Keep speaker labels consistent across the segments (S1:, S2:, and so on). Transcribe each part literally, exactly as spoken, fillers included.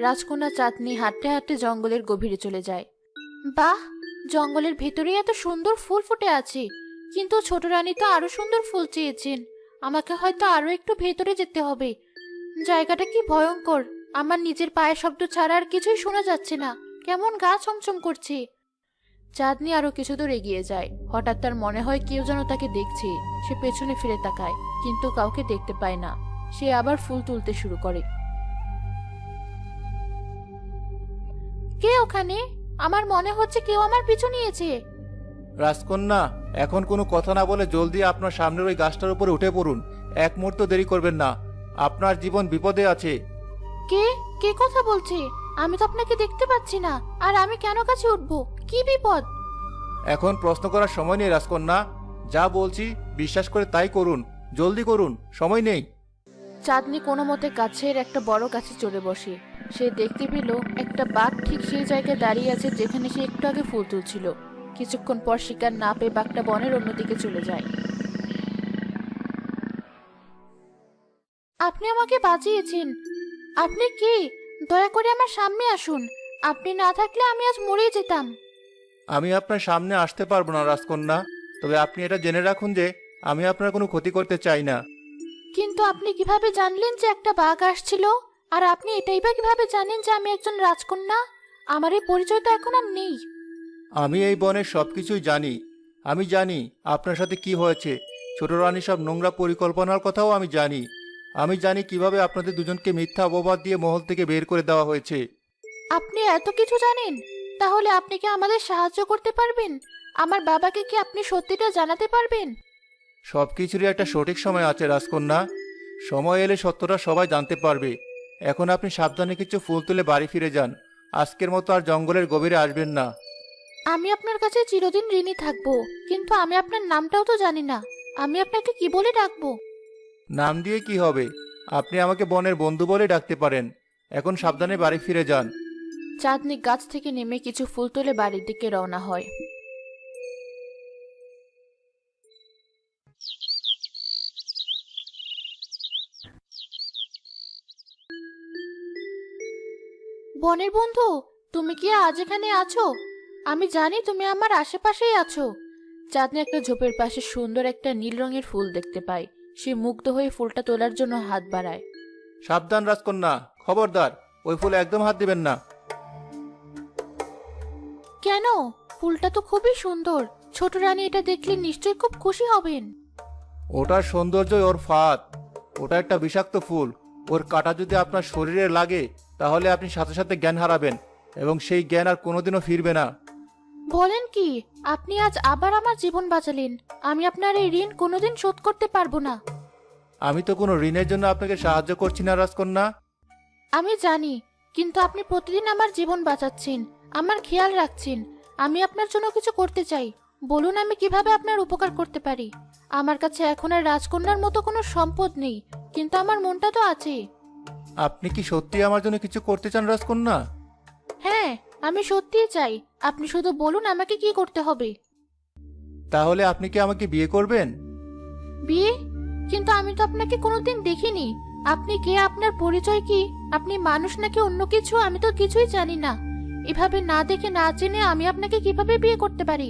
S1: রাজকন্যা চাঁদনি হাঁটতে হাঁটতে জঙ্গলের গভীরে চলে যায়। বাহ, জঙ্গলের ভেতরে এত সুন্দর ফুল ফুটে আছে, কিন্তু ছোট রানী তো আরো সুন্দর ফুল চেয়েছেন। আমাকে হয়তো আরো একটু ভেতরে যেতে হবে। জায়গাটা কি ভয়ঙ্কর! আমার নিজের পায়ের শব্দ ছাড়া আর কিছুই শোনা যাচ্ছে না। কেমন গা ছমছম করছে। চাঁদনি আরো কিছু দূর এগিয়ে যায়। হঠাৎ তার মনে হয় কেউ যেন তাকে দেখছে। সে পেছনে ফিরে তাকায়, কিন্তু কাউকে দেখতে পায় না। সে আবার ফুল তুলতে শুরু করে। কে ওখানে? আমার মনে হচ্ছে কেউ আমার পিছু নিয়েছে।
S2: রাজকন্যা, এখন কোনো কথা না বলে জলদি আপনার সামনের ওই গাছটার উপরে উঠে পড়ুন। এক মুহূর্ত দেরি করবেন না, আপনার জীবন বিপদে আছে।
S1: কে কে কথা বলছে? আমি তো আপনাকে দেখতে পাচ্ছি না। আর আমি কেন কাছে উঠবো? কি বিপদ?
S2: এখন প্রশ্ন করার সময় নেই রাজকন্যা, যা বলছি বিশ্বাস করে তাই করুন। জলদি করুন, সময় নেই।
S1: চাঁদনি কোনো মতে গাছের একটা বড় গাছে চড়ে বসে। সে দেখতে পেল একটা বাঘ ঠিক সেই জায়গায় দাঁড়িয়ে আছে যেখানে সে একটু আগে ফুল তুলছিল। কিছুক্ষণ পর শিকার না পেয়ে বাঘটা বনের অন্যদিকে চলে যায়। আপনি আমাকে বাঁচিয়েছেন। আপনি কে? দয়া করে আমার সামনে আসুন। আপনি না থাকলে আমি আজ মরে যেতাম।
S2: আমি আপনার সামনে আসতে পারবো না রাজকন্যা, তবে আপনি এটা জেনে রাখুন যে আমি আপনার কোনো ক্ষতি করতে চাই না।
S1: কিন্তু আপনি কিভাবে জানলেন যে একটা বাঘ আসছিল? আর আপনি এটাই বা কিভাবে জানেন যে আমি একজন রাজকন্যা? আমার এই পরিচয় তো এখন আর নেই।
S2: আমি এই বনের সবকিছুই জানি। আমি জানি আপনার সাথে কি হয়েছে। ছোট রানী সব নোংরা পরিকল্পনার কথাও আমি জানি। আমি জানি কিভাবে আপনাদের দুজনকে মিথ্যা অপবাদ দিয়ে মহল থেকে বের করে দেওয়া হয়েছে।
S1: আপনি এত কিছু জানেন? তাহলে আপনি কি আমাদের সাহায্য করতে পারবেন? আমার বাবাকে কি আপনি সত্যিটা জানাতে পারবেন?
S2: সবকিছুরই একটা সঠিক সময় আছে রাজকন্যা। সময় এলে সত্যটা সবাই জানতে পারবে। এখন আপনি সাবধানে কিছু ফুল তুলে বাড়ি ফিরে যান। আজকের মতো আর জঙ্গলের গভীরে আসবেন না।
S1: আমি আপনার কাছে চিরদিন ঋণী থাকবো, কিন্তু আমি আপনার নামটাও তো জানি না। আমি আপনাকে কি বলে ডাকবো?
S2: নাম দিয়ে কি হবে? আপনি আমাকে বনের বন্ধু বলে ডাকতে পারেন। এখন সাবধানে বাড়ি ফিরে যান।
S1: চাঁদনি গাছ থেকে নেমে কিছু ফুল তুলে বাড়ির দিকে রওনা হয়। বনের বন্ধু, তুমি কি আজ এখানে আছো? আমি জানি তুমি আমার আশেপাশেই আছো। চাঁদনি একটা ঝোপের পাশে সুন্দর একটা নীল রঙের ফুল দেখতে পায়। সে মুগ্ধ হয়ে ফুলটা তোলার জন্য হাত বাড়ায়।
S2: সাবধান রাজকন্যা, খবরদার, ওই ফুলে একদম হাত দিবেন না।
S1: কেন? ফুলটা তো খুবই সুন্দর। ছোট রানী এটা দেখলে নিশ্চয়ই খুব খুশি হবেন।
S2: ওটার সৌন্দর্যই ওর ফাঁদ। ওটা একটা বিষাক্ত ফুল। ওর কাঁটা যদি আপনার শরীরে লাগে তাহলে আপনি সাথে সাথে জ্ঞান হারাবেন, এবং সেই জ্ঞান আর কোনোদিনও ফিরবে না।
S1: বলেন কি? আপনি আজ আবার আমার জীবন বাঁচালেন। আমি আপনার এই ঋণ কোনোদিন শোধ করতে পারবো না।
S2: আমি তো কোনো ঋণের জন্য আপনাকে সাহায্য করছি না রাজকন্যা।
S1: আমি জানি, কিন্তু আপনি প্রতিদিন আমার জীবন বাঁচাচ্ছেন, আমার খেয়াল রাখছেন। আমি আপনার জন্য কিছু করতে চাই। বলুন আমি কিভাবে আপনার উপকার করতে পারি। আমার কাছে এখন আর রাজকন্যার মতো কোনো সম্পদ নেই, কিন্তু আমার মনটা তো আছে।
S2: আপনি কি সত্যি আমার জন্য কিছু করতে চান রাজকন্যা?
S1: হ্যাঁ, আমি সত্যিই চাই। আপনি শুধু বলুন আমাকে কি করতে হবে।
S2: তাহলে আপনি কি আমাকে বিয়ে করবেন?
S1: বিয়ে? কিন্তু আমি তো আপনাকে কোনোদিন দেখিনি। আপনি কে? আপনার পরিচয় কি? আপনি মানুষ নাকি অন্য কিছু? আমি তো কিছুই জানি না। এভাবে না দেখে না জেনে আমি আপনাকে কিভাবে বিয়ে করতে পারি?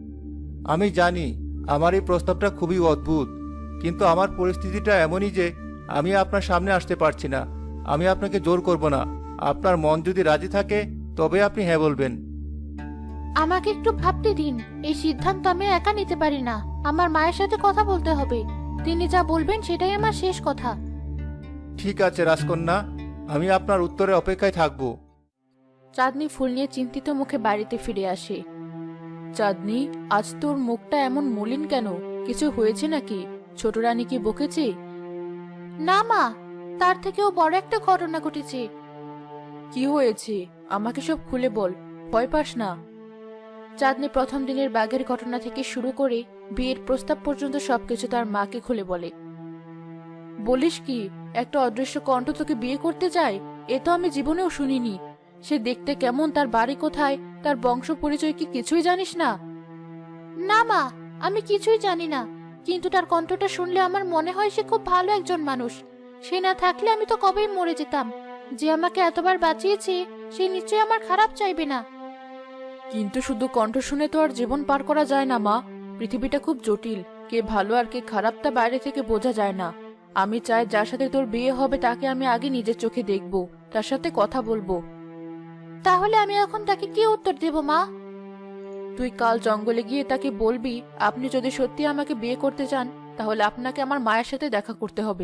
S2: আমি জানি আমার এই প্রস্তাবটা খুবই অদ্ভুত, কিন্তু আমার পরিস্থিতিটা এমনই যে আমি আপনার সামনে আসতে পারছি না। আমি আপনাকে জোর করব না। আপনার মন যদি রাজি থাকে তবে আপনি হ্যাঁ বলবেন।
S1: আমাকে একটু ভাবতে দিন। এই সিদ্ধান্ত আমি একা নিতে পারি না। আমার মায়ের সাথে কথা বলতে হবে। তিনি যা বলবেন সেটাই আমার শেষ কথা।
S2: ঠিক আছে রাজকন্যা, আমি আপনার উত্তরে অপেক্ষায় থাকব।
S1: চাঁদনি ফুল নিয়ে চিন্তিত মুখে বাড়িতে ফিরে আসে। চাঁদনি, আজ তোর মুখটা এমন মলিন কেন? কিছু হয়েছে নাকি? ছোট রানী কি বকেছে? না মা, তার থেকেও বড় একটা ঘটনা ঘটেছে। কি হয়েছে? আমাকে সব খুলে বল, ভয় পাস না। চাঁদনি প্রথম দিনের বাঘের ঘটনা থেকে শুরু করে বিয়ের প্রস্তাব পর্যন্ত সবকিছু তার মাকে খুলে বলে। বলিস কি? একটা অদৃশ্য কণ্ঠ তোকে বিয়ে করতে চায়? এ তো আমি জীবনেও শুনিনি। সে দেখতে কেমন, তার বাড়ি কোথায়, তার বংশ পরিচয় কি কিছুই জানিস না? না মা, আমি কিছুই জানি না, কিন্তু তার কণ্ঠটা শুনলে আমার মনে হয় সে খুব ভালো একজন মানুষ। সে না থাকলে আমি তো কবেই মরে যেতাম। যে আমাকে এতবার বাঁচিয়েছে সে নিশ্চয়ই আমার খারাপ চাইবে না। কিন্তু শুধু কণ্ঠ শুনে তো আর জীবন পার করা যায় না মা। পৃথিবীটা খুব জটিল, কে ভালো আর কে খারাপ তা বাইরে থেকে বোঝা যায় না। আমি চাই যার সাথে তোর বিয়ে হবে তাকে আমি আগে নিজের চোখে দেখব, তার সাথে কথা বলবো। তাহলে আমি এখন তাকে কি উত্তর দেব মা? তুই কাল জঙ্গলে গিয়ে তাকে বলবি আপনি যদি সত্যি আমাকে বিয়ে করতে চান তাহলে আপনাকে আমার মায়ের সাথে দেখা করতে হবে।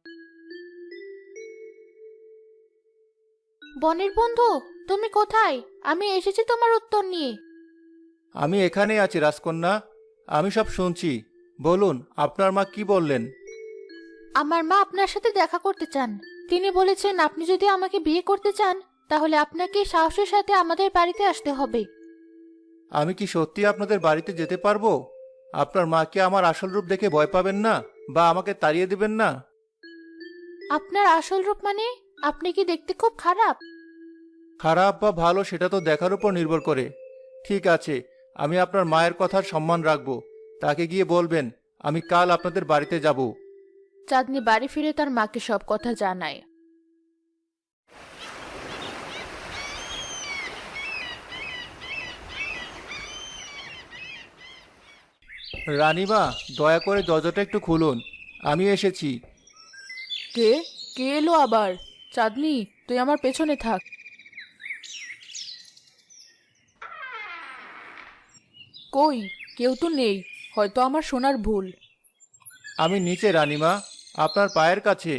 S1: বনের বন্ধু, তুমি কোথায়? আমি এসেছি তোমার উত্তর নিয়ে।
S2: আমি এখানেই আছি রাজকন্যা, আমি সব শুনছি। বলুন আপনার মা কি বললেন?
S1: আমার মা আপনার সাথে দেখা করতে চান। তিনি বলেছেন আপনি যদি আমাকে বিয়ে করতে চান তাহলে আপনাকে সাহসের সাথে আমাদের বাড়িতে আসতে হবে।
S2: আমি কি সত্যি আপনাদের বাড়িতে যেতে পারবো? আপনার মা কি আমার আসল রূপ দেখে ভয় পাবেন না বা আমাকে তাড়িয়ে দিবেন না?
S1: আপনার আসল রূপ মানে? আপনি কি দেখতে খুব খারাপ?
S2: খারাপ বা ভালো সেটা তো দেখার উপর নির্ভর করে। ঠিক আছে, আমি আপনার মায়ের কথার সম্মান রাখবো। তাকে গিয়ে বলবেন আমি কাল আপনাদের বাড়িতে যাব।
S1: চাঁদনি বাড়ি ফিরে তার মাকে সব কথা জানায়।
S2: রানীমা, দয়া করে দরজাটা একটু খুলুন, আমি এসেছি।
S1: কে কে এলো আবার? চাঁদনি, তুই আমার পেছনে থাক। কই, কেউ তো নেই, হয়তো আমার শোনার ভুল।
S2: আমি নিচে রানীমা, আপনার পায়ের কাছে।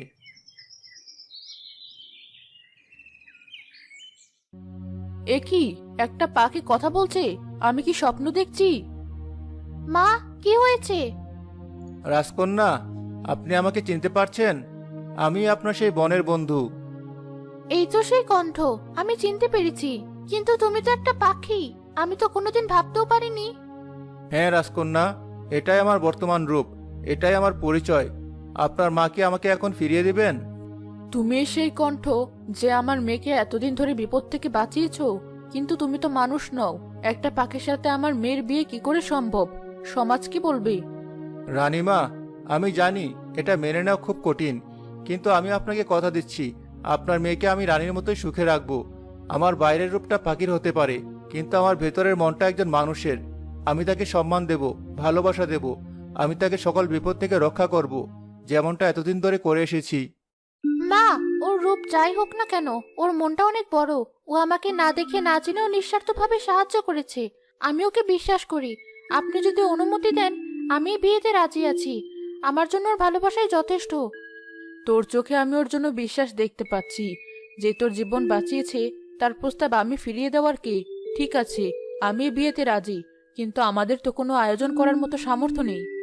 S1: এ কি, একটা পাখি কথা বলছে? আমি কি স্বপ্ন দেখছি? মা, কি হয়েছে?
S2: রাজকন্যা, আপনি আমাকে চিনতে পারছেন? আমি আপনার সেই বনের বন্ধু।
S1: এই তো সেই কণ্ঠ, আমি চিনতে পেরেছি। কিন্তু তুমি তো একটা পাখি, আমি তো কোনোদিন ভাবতেও পারিনি।
S2: হ্যাঁ রাজকন্যা, এটাই আমার বর্তমান রূপ, এটাই আমার পরিচয়। আপনার মা কি আমাকে এখন ফিরিয়ে দিবেন?
S1: তুমি সেই কণ্ঠ যে আমার মেয়েকে এতদিন ধরে বিপদ থেকে বাঁচিয়েছো। কিন্তু তুমি তো মানুষ নও, একটা পাখির সাথে আমার মেয়ের বিয়ে কি করে সম্ভব? সমাজ কি বলবে?
S2: রানীমা, আমি জানি এটা মেনে নেওয়া খুব কঠিন, কিন্তু আমি আপনাকে কথা দিচ্ছি আপনার মেয়েকে আমি রানীর মতোই সুখে রাখবো। আমার বাইরের রূপটা পাখির হতে পারে, কিন্তু আমার ভেতরের মনটা একজন মানুষের। আমি তাকে সম্মান দেব, ভালোবাসা দেব। আমি তাকে সকল বিপদ থেকে রক্ষা করব, যেমনটা এতদিন ধরে করে এসেছি।
S1: মা, ওর রূপ যাই হোক না কেন, ওর মনটা অনেক বড়। ও আমাকে না দেখে না জেনেও নিঃস্বার্থভাবে সাহায্য করেছে। আমি ওকে বিশ্বাস করি। আপনি যদি অনুমতি দেন আমি বিয়েতে রাজি আছি। আমার জন্য ওর ভালোবাসাই যথেষ্ট। তোর চোখে আমি ওর জন্য বিশ্বাস দেখতে পাচ্ছি। যে তোর জীবন বাঁচিয়েছে তার প্রস্তাব আমি ফিরিয়ে দেওয়ার কে? ঠিক আছে, আমি বিয়েতে রাজি, কিন্তু আমাদের তো কোনো আয়োজন করার মতো সামর্থ্য নেই।